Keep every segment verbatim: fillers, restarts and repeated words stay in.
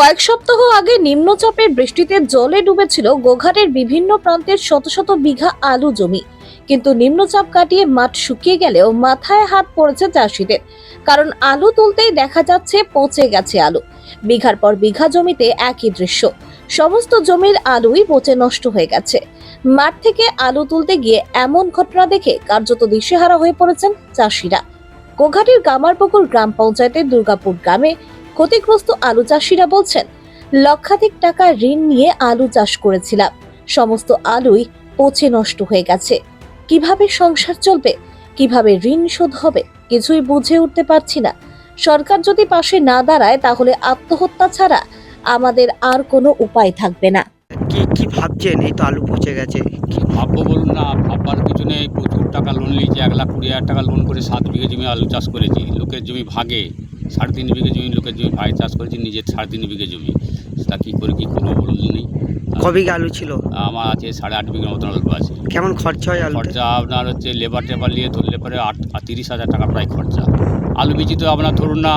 কয়েক সপ্তাহ আগে নিম্নচাপের বৃষ্টিতে জলে ডুবেছিল গোঘাটের বিভিন্ন প্রান্তের শত শত বিঘা আলু জমি। কিন্তু নিম্নচাপ কাটিয়ে মাঠ শুকিয়ে গেলেও মাথায় হাত পড়েছে চাষিদের, কারণ আলু তুলতেই দেখা যাচ্ছে পচে গেছে আলু। বিঘার পর বিঘা জমিতে একই দৃশ্য, সমস্ত জমির আলুই পচে নষ্ট হয়ে গেছে। মাঠ থেকে আলু তুলতে গিয়ে এমন ঘটনা দেখে কার্যত দিশেহারা হয়ে পড়েছেন চাষিরা। গোঘাটের গামারপুকুর গ্রাম পঞ্চায়েতের দুর্গাপুর গ্রামে ক্ষতিগ্রস্ত আলু চাষিরা বলছেন, লক্ষাধিক টাকা ঋণ নিয়ে আলু চাষ করেছিলাম, সমস্ত আলুই পচে নষ্ট হয়ে গেছে। কিভাবে সংসার চলবে, কিভাবে ঋণ শোধ হবে, কিছুই বুঝে উঠতে পারছি না। সরকার যদি পাশে না দাঁড়ায় তাহলে আত্মহত্যা ছাড়া আমাদের আর কোনো উপায় থাকবে না। কি কি ভাবছেন? এই তো আলু পচে গেছে। কি ভাববো বলুন না, ভাববার কিছু নেই। প্রচুর টাকা লোন নিয়েছি, এক লাখ কুড়ি হাজার টাকা লোন করে সাত বিঘে জমি আলু চাষ করেছি। লোকের জমি ভাগে সাড়ে তিন বিঘে জমি, লোকের জমি ভাগে চাষ করেছি, নিজের সাড়ে তিন বিঘে জমি। তা কী করে কী করবো বলুন নেই। ক বিঘা আলু ছিল? আমার আছে সাড়ে আট বিঘের মতন আলু আছে। কেমন খরচা হয় আলু? খরচা আপনার হচ্ছে লেবার টেবার নিয়ে ধরলে পরে আট তিরিশ হাজার টাকা প্রায় খরচা। আলু বীজ তো আপনার ধরুন না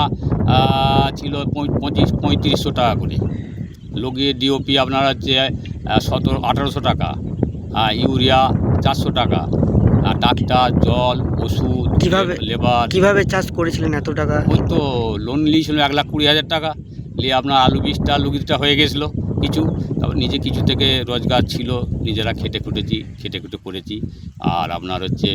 ছিল পঁচিশ পঁয়ত্রিশশো টাকা করে, লোকে ডিওপি আপনার হচ্ছে সতেরো আঠারোশো টাকা, ইউরিয়া চারশো টাকা, ডাক্তার, জল, ওষুধ, কিভাবে লেবার। কিভাবে চাষ করেছিলেন এত টাকা? ওই তো লোন নিয়েছিল এক লাখ কুড়ি হাজার টাকা নিয়ে আপনার আলু বীজটা আলু বীজটা হয়ে গেছিলো কিছু। তারপর নিজে কিছু থেকে রোজগার ছিল, নিজেরা খেটে খুটেছি, খেটে খুটে করেছি। আর আপনার হচ্ছে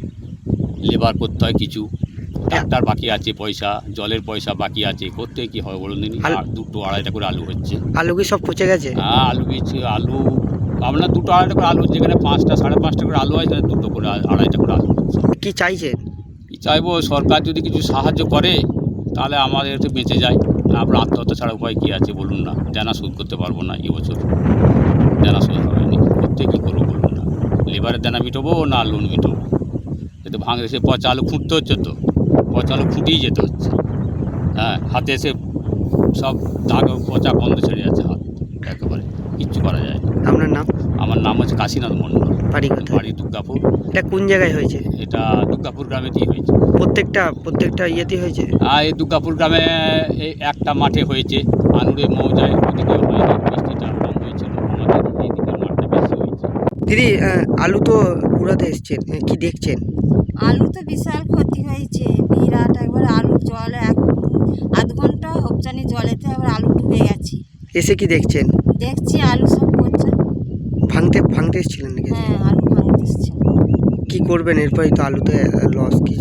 লেবার করতে হয় কিছু, ডাক্তার বাকি আছে পয়সা, জলের পয়সা বাকি আছে, করতে কি হয় বলুন দিন। আর দুটো আড়াইটা করে আলু হচ্ছে। আলু কি সব পচে গেছে? হ্যাঁ, আলু বীজ আলু আপনার দুটো আড়াইটা করে আলু, যেখানে পাঁচটা সাড়ে পাঁচটা করে আলু হয় সেখানে দুটো করে আড়াইটা করে আলু হচ্ছে। কি চাইছেন? কি চাইবো, সরকার যদি কিছু সাহায্য করে তাহলে আমাদের একটু বেঁচে যায়। না আপনার আত্মহত্যা ছাড়া উপায় কী আছে বলুন না। দেনা শোধ করতে পারবো না এবছর, দেনা শোধ হয়নি, করতে কী করবো বলুন না। লেবারের দেনা মিটবো না লোন মিটবো? এতে ভাঙে এসে পচা আলু খুঁটতে হচ্ছে, তো পচা আলু খুঁটিয়ে যেতে হচ্ছে। হ্যাঁ, হাতে এসে সব দাগ পচা গন্ধ ছেড়ে যাচ্ছে, হাত একেবারে কিচ্ছু করা যায় না। আপনার নাম? আমার নাম হচ্ছে কাশীনাথ মণ্ডল। বাড়ি কোথায়? বাড়ি দুর্গাপুর। এটা কোন জায়গায় হয়েছে? এটা দুর্গাপুর গ্রামে দিয়ে হয়েছে। প্রত্যেকটা প্রত্যেকটা ইয়েতে হয়েছে? আর এই দুর্গাপুর গ্রামে এই একটা মাঠে হয়েছে, আনুরে মৌজায় ওদিকে হয়নি, বৃষ্টিটা কম হয়েছিল, আমাদের এইদিকে মাঠটা বেশি হয়েছে। দিদি, আলু তো কুড়াতে এসছেন, কি দেখছেন? আলু তো বিশাল ক্ষতি হয়েছে, বিরাট একবার আলু জলে এক আধ ঘন্টা হপচানি জলেতে আবার আলু ডুবে গেছে। এসে কি দেখছেন? দেখছি আলু সব পচে। ভাঙতে ভাঙতে এসেছিলেন নাকি? হ্যাঁ, আলু ভাঙতে এসছে। কি করবেন এরপরে? তো আলুতে লস। কি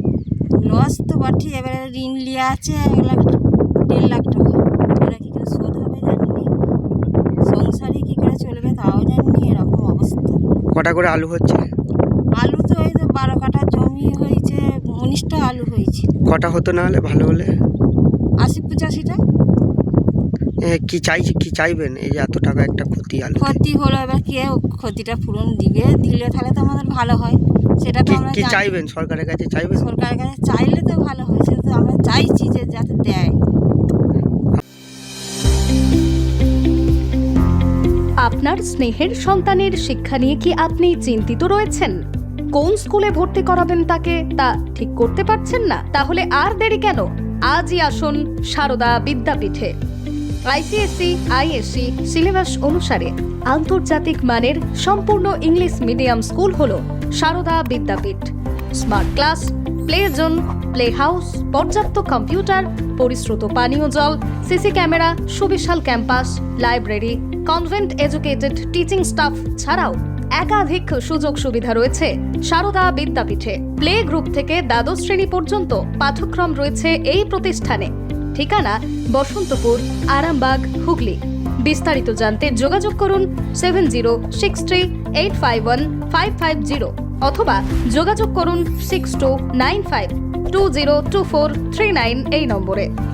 লস তো বটে, এবারে ঋণ লিয়ে আছে এক লাখ দেড় লাখ টাকা, এরা কী করে শোধ হবে জানিনি, সংসারে কী করে চলবে তাও জানিনি, এরকম অবস্থা। কটা করে আলু হচ্ছে? আলু তো এই তো বারো কাঠা জমি হয়েছে, উনিশটা আলু হয়েছে। কটা হতো না হলে ভালো হলে? আশি পঁচাশিটা। কি চাইছি কি চাইবেন? এই যে এত টাকা একটা ক্ষতি আলু ক্ষতি হলো, এবার কে ক্ষতিটা পূরণ দিবে? দিলে তাহলে তো আমাদের ভালো হয়, সেটা তো আমরা কি জানি। চাইবেন? সরকারের কাছে চাইবেন? সরকারের কাছে চাইলে তো ভালো হয়, সেটা তো আমরা চাইছি যে যাতে দেয়। আপনার স্নেহের সন্তানের শিক্ষা নিয়ে কি আপনি চিন্তিত রয়েছেন? কোন স্কুলে ভর্তি করাবেন তাকে তা ঠিক করতে পারছেন না? তাহলে আর দেরি কেন? আজই আসুন সারদা বিদ্যাপীঠে। আইসিএসসি আইএসসি সিলেবাস অনুসারে আন্তর্জাতিক মানের সম্পূর্ণ ইংলিশ মিডিয়াম স্কুল হলো Sarada Vidyapith. Smart class, play zone, play house, পর্যাপ্ত কম্পিউটার, পরিশ্রুত পানীয় জল, সিসি ক্যামেরা, সুবিশাল campus, library, convent educated teaching staff ছাড়াও একাধিক সুযোগ সুবিধা রয়েছে সারদা বিদ্যাপীঠে। প্লে গ্রুপ থেকে দ্বাদশ শ্রেণী পর্যন্ত পাঠ্যক্রম রয়েছে এই প্রতিষ্ঠানে। ঠিকানা বসন্তপুর, আরামবাগ, হুগলি। বিস্তারিত জানতে যোগাযোগ করুন seven zero six three eight five one five five zero অথবা যোগাযোগ করুন six two nine five two zero two four three nine এই নম্বরে।